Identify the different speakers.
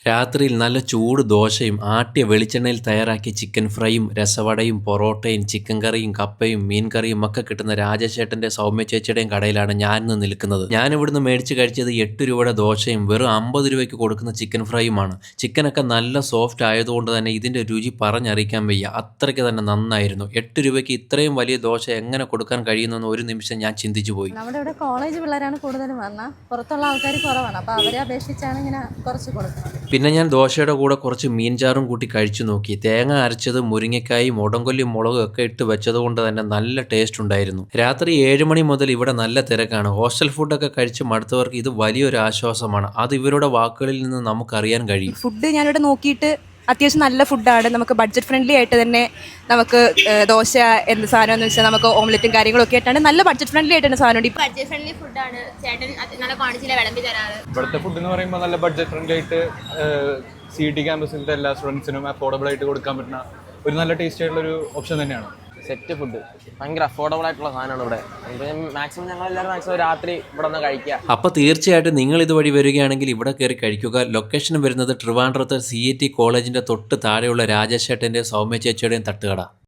Speaker 1: രാത്രിയിൽ നല്ല ചൂട് ദോശയും ആട്ടിയ വെളിച്ചെണ്ണയിൽ തയ്യാറാക്കിയ ചിക്കൻ ഫ്രൈയും രസവടയും പൊറോട്ടയും ചിക്കൻ കറിയും കപ്പയും മീൻ കറിയും ഒക്കെ കിട്ടുന്ന രാജേഷേട്ടൻ്റെ സൗമ്യ ചേച്ചിയുടെയും കടയിലാണ് ഞാൻ ഇന്ന് നിൽക്കുന്നത്. ഞാൻ ഇവിടുന്ന് മേടിച്ച് കഴിച്ചത് 8 രൂപയുടെ ദോശയും വെറും 50 രൂപയ്ക്ക് കൊടുക്കുന്ന ചിക്കൻ ഫ്രൈയുമാണ്. ചിക്കനൊക്കെ നല്ല സോഫ്റ്റ് ആയതുകൊണ്ട് തന്നെ ഇതിൻ്റെ രുചി പറഞ്ഞറിയിക്കാൻ വയ്യ, അത്രയ്ക്ക് തന്നെ നന്നായിരുന്നു. 8 രൂപയ്ക്ക് ഇത്രയും വലിയ ദോശ എങ്ങനെ കൊടുക്കാൻ കഴിയുന്നെന്ന് ഒരു നിമിഷം ഞാൻ ചിന്തിച്ചു പോയി.
Speaker 2: നമ്മുടെ ഇവിടെ കോളേജ് പിള്ളേരാണ് കൂടുതലും വന്നാൽ പുറത്തുള്ള ആൾക്കാർ കുറവാണ്, അപ്പോൾ അവരെ അപേക്ഷിച്ചാണ് ഇങ്ങനെ കുറച്ച് കൊടുക്കുന്നത്.
Speaker 1: പിന്നെ ഞാൻ ദോശയുടെ കൂടെ കുറച്ച് മീൻചാറും കൂട്ടി കഴിച്ചു നോക്കി. തേങ്ങ അരച്ചത്, മുരിങ്ങക്കായും ഉടങ്കൊല്ലി മുളകും ഒക്കെ ഇട്ട് വെച്ചതുകൊണ്ട് തന്നെ നല്ല ടേസ്റ്റ് ഉണ്ടായിരുന്നു. രാത്രി 7 മണി മുതൽ ഇവിടെ നല്ല തിരക്കാണ്. ഹോസ്റ്റൽ ഫുഡൊക്കെ കഴിച്ച് മടുത്തവർക്ക് ഇത് വലിയൊരു ആശ്വാസമാണ്. അത് ഇവരുടെ വാക്കുകളിൽ നിന്ന് നമുക്കറിയാൻ കഴിയും.
Speaker 3: ഫുഡ് ഞാനിവിടെ നോക്കിയിട്ട് അത്യാവശ്യം നല്ല ഫുഡാണ്. നമുക്ക് ബഡ്ജറ്റ് ഫ്രണ്ട്ലി ആയിട്ട് തന്നെ നമുക്ക് ദോശ എന്ത് സാധനം എന്ന് വെച്ചാൽ നമുക്ക് ഓംലെറ്റും കാര്യങ്ങളൊക്കെ ആയിട്ടാണ് നല്ല ബഡ്ജറ്റ് ഫ്രണ്ട്ലി ആയിട്ടാണ് സാധനം.
Speaker 4: ബഡ്ജറ്റ് ഫ്രണ്ട്ലി ഫുഡാണ് ചേട്ടൻ നല്ല ക്വാണ്ടിറ്റിയിലെ വിളമ്പി തരാറ്.
Speaker 5: ഇവിടുത്തെ ഫുഡ് എന്ന് പറയുമ്പോൾ നല്ല ബഡ്ജറ്റ് ഫ്രണ്ട്ലി ആയിട്ട് CET ക്യാമ്പസിലത്തെ എല്ലാ സ്റ്റുഡൻസിനും അഫോർഡബിൾ ആയിട്ട് കൊടുക്കാൻ പറ്റുന്ന ഒരു നല്ല ടേസ്റ്റ് ആയിട്ടുള്ള ഒരു ഓപ്ഷൻ തന്നെയാണ്.
Speaker 6: സെറ്റ് ഫുഡ് ഭയങ്കര അഫോർഡബിൾ ആയിട്ടുള്ള സാധനമാണ് ഇവിടെ. മാക്സിമം ഞങ്ങളെല്ലാവരും മാക്സിമം രാത്രി ഇവിടെ നിന്ന് കഴിക്കുക.
Speaker 1: അപ്പോൾ തീർച്ചയായിട്ടും നിങ്ങൾ ഇതുവഴി വരികയാണെങ്കിൽ ഇവിടെ കയറി കഴിക്കുക. ലൊക്കേഷൻ വരുന്നത് ട്രിവാൻഡ്രത്തെ CET കോളേജിൻ്റെ തൊട്ട് താഴെയുള്ള രാജേഷേട്ടൻ്റെ സൗമ്യ ചേച്ചിയുടെയും തട്ടുകട.